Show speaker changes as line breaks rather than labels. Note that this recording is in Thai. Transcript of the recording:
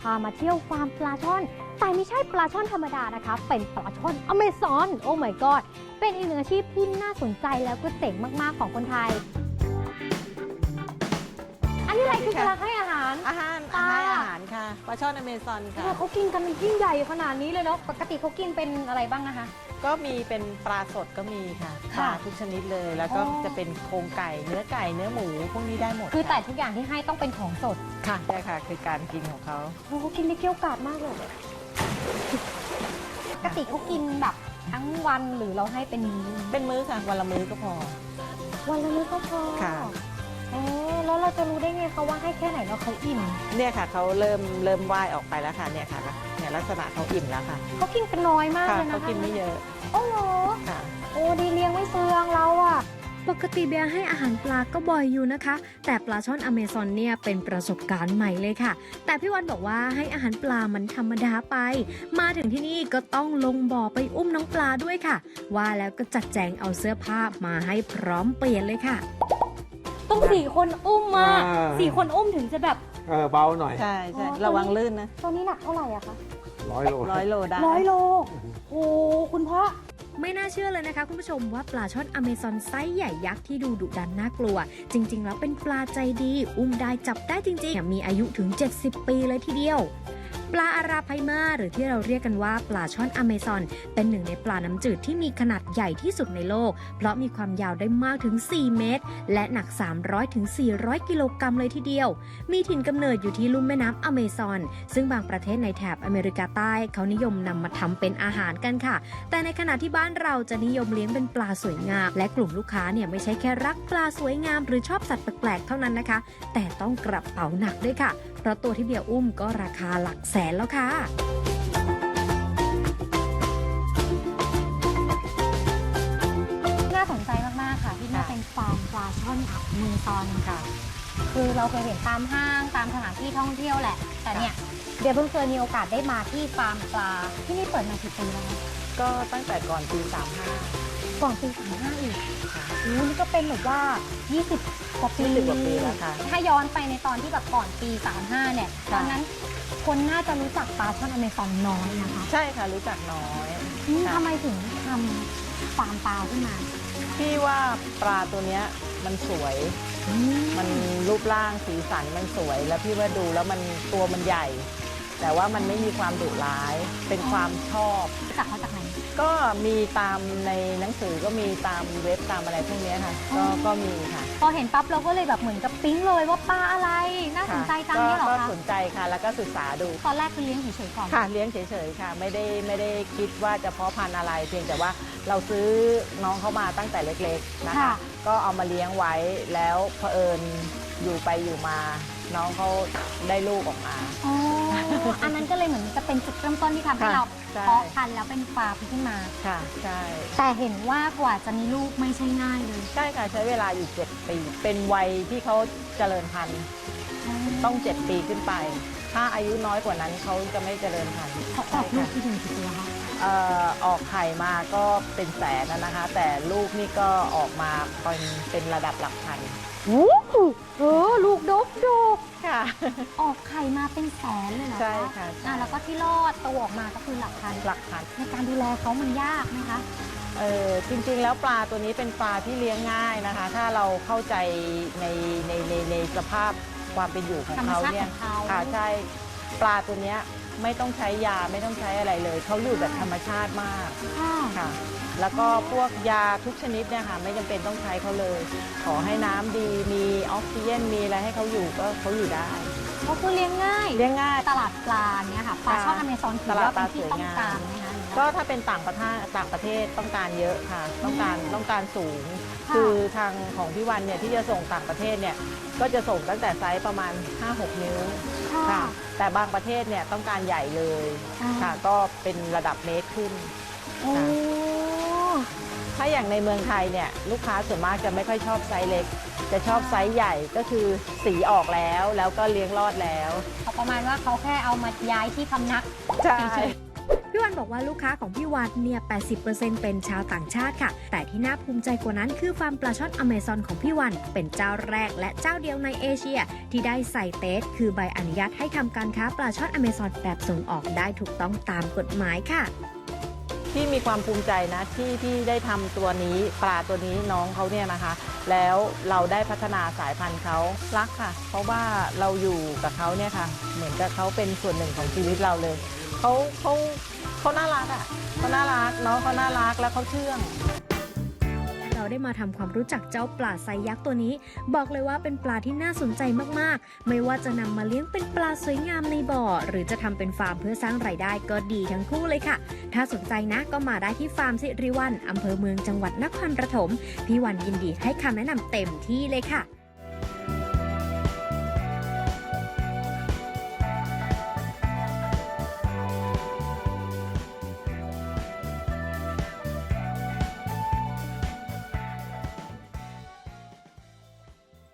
พามาเที่ยวฟาร์มปลาช่อนแต่ไม่ใช่ปลาช่อนธรรมดานะคะเป็นปลาช่อนอเมซอนโอ้ my god เป็นอีกหนึ่งอาชีพที่น่าสนใจแล้วก็เจ๋งมากๆของคนไทยอันนี้อะไรคือกำลังให้อาหาร
อาหารค่ะปลาช่อนอเมซอนค่ะ
เขากินกันยิ่งใหญ่ขนาดนี้เลยเนาะปกติเขากินเป็นอะไรบ้างนะคะ
ก็มีเป็นปลาสดก็มีค่ะป
ค่ะ
ลาทุกชนิดเลย แล้วก็
อ๋อ
จะเป็นโครงไก่เนื้อหมูพวกนี้ได้หมด
คือแต่
ค่ะ
ทุกอย่างที่ให้ต้องเป็นของสด
ค่ะใช่ค่ะคือการกินของเขา
โอ้เขากินได้เกรี้ยวกราดมากเลยปกติเขากินแบบทั้งวันหรือเราให้เป็นมื้อ
เป็นมื้อค่ะวันละมื้อก็พอ
วันละมื้อก็พอ
ค่ะ
อ๋อแล้วเราจะรู้ได้ไงคะว่าให้แค่ไหนแล้วเขาอิ่ม
เนี่ยค่ะเขาเริ่มว่ายออกไปแล้วค่ะเนี่ยค่ะเนี่ยลักษณะเขาอิ่มแล้วค่ะ
เขากินกันน้อยมาก
ค่ะ
เลยนะคะ
เขากินไม่เยอะ
โอ้โห
ค่ะ
โอ้ดีเลี้ยงไม่เฟืองเราอะ
ปกติเบียร์ให้อาหารปลาก็บ่อยอยู่นะคะ แต่ปลาช่อนอเมซอนเนี่ยเป็นประสบการณ์ใหม่เลยค่ะ แต่พี่วันบอกว่าให้อาหารปลามันธรรมดาไป มาถึงที่นี่ก็ต้องลงบ่อไปอุ้มน้องปลาด้วยค่ะ ว่าแล้วก็จัดแจงเอาเสื้อผ้ามาให้พร้อมเปลี่ยนเลยค่ะ
ต้อง4 คนอุ้มมา4 คนอุ้มถึงจะแบบ
เบาหน่อย
ใช่
อ๋อ
ระวังลื่นนะ
ตอนนี้หนักเท่าไหร่อะคะ
100 โล
100 โลได้
100 โลโอ้คุณพ่อ
ไม่น่าเชื่อเลยนะคะคุณผู้ชมว่าปลาช่อนอเมซอนไซส์ใหญ่ยักษ์ที่ดูดุดันน่ากลัว จริงๆแล้วเป็นปลาใจดี อุ้มได้จับได้จริงๆมีอายุถึง 70 ปีเลยทีเดียว ปลาอาราไพมาหรือที่เราเรียกกันว่าปลาช่อนอเมซอนเป็นหนึ่งในปลาน้ำจืดที่มีขนาดใหญ่ที่สุดในโลก เพราะมีความยาวได้มากถึง 4 เมตร และหนัก 300 ถึง 400 กิโลกรัมเลยทีเดียว มีถิ่นกำเนิดอยู่ที่ลุ่มแม่น้ำอเมซอน ซึ่งบางประเทศในแถบอเมริกาใต้เขานิยมนำมาทำเป็นอาหารกันค่ะ แต่ในขณะที่บ้านเราจะนิยมเลี้ยงเป็นปลาสวยงาม และกลุ่มลูกค้าเนี่ยไม่ใช่แค่รักปลาสวยงามหรือชอบสัตว์แปลกๆเท่านั้นนะคะ แต่ต้องกระเป๋าหนักด้วยค่ะ เพราะตัวที่เบียร์อุ้มก็ราคาหลักแสนแล้วค่ะ
น่าสนใจมากๆค่ะที่นี่
ค่ะ
เป็นฟาร์มปลาช่อนอเมซอน
ค่ะ
คือเราเคยเห็นตามห้างตามสถานที่ท่องเที่ยวแหละ แต่เนี่ยเดี๋ยวเพิ่งเคยมีโอกาสได้มาที่ฟาร์มปลาที่นี่เปิดมากี่ปีแล้วคะ
ก็ตั้งแต่ก่อนปี
ก่อนปี35อีก
35 ค่ะ
โอ้นี่ก็เป็นแบบว่า 20 กว่าปี
20 กว่าปีแล้วค่ะ
ถ้าย้อนไปในตอนที่แบบก่อนปี 35 เนี่ย ต
ค่ะ
อนนั้นคนน่าจะรู้จักปลาช่อนอเมซอนน้อยนะคะ
ใช่ค่ะรู้จักน้อย ค่ะ
ทำไมถึงทำฟาร์มปลาขึ้นมา
พี่ว่าปลาตัวเนี้ยมันสวย มันรูปร่างสีสันมันสวย แล้วพี่ว่าดูแล้วมันตัวมันใหญ่ แต่ว่ามันไม่มีความดุร้าย เป็นความชอบ
รู้จักเขาจากไหน
ก็มีตามในหนังสือก็มีตามเว็บตามอะไรพวกเนี้ยค่ะ ก็มีค่ะ
พอเห็นปั๊บเราก็เลยแบบเหมือนกับปิ๊งเลยว่าปลาอะไร น่าสนใจจังเนี่ยเหรอ
ก็
คะ
สนใจค่ะ แล้วก็ศึกษาดู
ตอนแรกคือเลี้ยงเฉยๆก่อน
ค่ะเลี้ยงเฉยๆค่ะ ไม่ได้คิดว่าจะเพาะพันธุ์อะไร เพียงแต่ว่าเราซื้อน้องเขามาตั้งแต่เล็กๆนะคะ
ค่ะ
ก็เอามาเลี้ยงไว้แล้วเผอิญอยู่ไปอยู่มา น้องเขาได้ลูกออกมา
อ๋อ อันนั้นก็เลยเหมือนจะเป็นจุดเริ่มต้นที่ทำให้
ค่ะ
เรา
ใช่
เพาะพันธุ์แล้วเป็นฟาร์มขึ้นมา
ค่ะใช่
แต่เห็นว่ากว่าจะมีลูกไม่ใช่ง่ายเลย
ใช่ค่ะใช้เวลาอยู่ 7 ปี เป็นวัยที่เขาเจริญพันธุ์ต้อง 7 ปีขึ้นไป ถ้าอายุน้อยกว่านั้นเขาจะไม่เจริญพันธุ์
เขาออกลูกที่หนึ่งกี่ตัวคะ
ออกไข่มาก็เป็นแสนนะคะ แต่ลูกนี่ก็ออกมาเป็นระดับหลักพัน
โอ้โหลูกดก
ค่ะ
ออกไข่มาเป็นแสนเลยเหรอ
ใช่ค่ะใช่
แล้วก็ที่รอดตัวออกมาก็คือหลักพัน
หลักพัน
ในการดูแลเขามันยากไหมคะ
จริงๆแล้วปลาตัวนี้เป็นปลาที่เลี้ยงง่ายนะคะ ถ้าเราเข้าใจในสภาพความเป็นอยู่ของเขาเนี่ย
ธรรมชาติของเขา
ค่ะใช่ปลาตัวเนี้ยไม่ต้องใช้ยาไม่ต้องใช้อะไรเลยเขาอยู่แบบธรรมชาติมาก
ค่ะ
ค่ะ แล้วก็พวกยาทุกชนิดเนี่ยค่ะไม่จำเป็นต้องใช้เขาเลย ขอให้น้ำดีมีออกซิเจนมีอะไรให้เขาอยู่ก็เขาอยู่ได้
เขาคือเลี้ยงง่าย
เลี้ยงง่าย
ตลาดปลาเนี่ยค่ะปลาช่อนอเมซอนถือว่าเป็นที่ต้องการไหมคะ
ก็ถ้าเป็นต่างประเทศต้องการเยอะค่ะ ต้องการสูง
ค่ะ
คือทางของพี่วันเนี่ยที่จะส่งต่างประเทศเนี่ยก็จะส่งตั้งแต่ไซส์ประมาณ 5-6 นิ้ว
ค่ะ
ค่ะ แต่บางประเทศเนี่ยต้องการใหญ่เลย
อ่า
ค่ะ ก็เป็นระดับเมตรขึ้น
โอ้
ถ้าอย่างในเมืองไทยเนี่ยลูกค้าส่วนมากจะไม่ค่อยชอบไซส์เล็ก จะชอบไซส์ใหญ่ก็คือสีออกแล้วก็เลี้ยงรอดแล้ว
เขาประมาณว่าเขาแค่เอามาย้ายที่พำนัก
ใช่
เฉย
พี่วันบอกว่าลูกค้าของพี่วันเนี่ย 80% เป็นชาวต่างชาติค่ะ แต่ที่น่าภูมิใจกว่านั้นคือฟาร์มปลาช่อนอเมซอนของพี่วันเป็นเจ้าแรกและเจ้าเดียวในเอเชียที่ได้ใส่เตสคือใบอนุญาตให้ทำการค้าปลาช่อนอเมซอนแบบส่งออกได้ถูกต้องตามกฎหมายค่ะ
ที่มีความภูมิใจนะที่ได้ทำตัวนี้ปลาตัวนี้น้องเขาเนี่ยนะคะ แล้วเราได้พัฒนาสายพันธุ์เขารักค่ะ เพราะว่าเราอยู่กับเขาเนี่ยค่ะ เหมือนกับเขาเป็นส่วนหนึ่งของชีวิตเราเลยเขาน่ารักอ่ะเขาน่ารักน้องเขาน่ารักแล้วเขาเชื่อง
เราได้มาทำความรู้จักเจ้าปลาไซยักษ์ตัวนี้ บอกเลยว่าเป็นปลาที่น่าสนใจมากๆ ไม่ว่าจะนำมาเลี้ยงเป็นปลาสวยงามในบ่อ หรือจะทำเป็นฟาร์มเพื่อสร้างรายได้ก็ดีทั้งคู่เลยค่ะ ถ้าสนใจนะก็มาได้ที่ฟาร์มสิริวัลย์อำเภอเมืองจังหวัดนครปฐมพี่วันยินดีให้คำแนะนำเต็มที่เลยค่ะ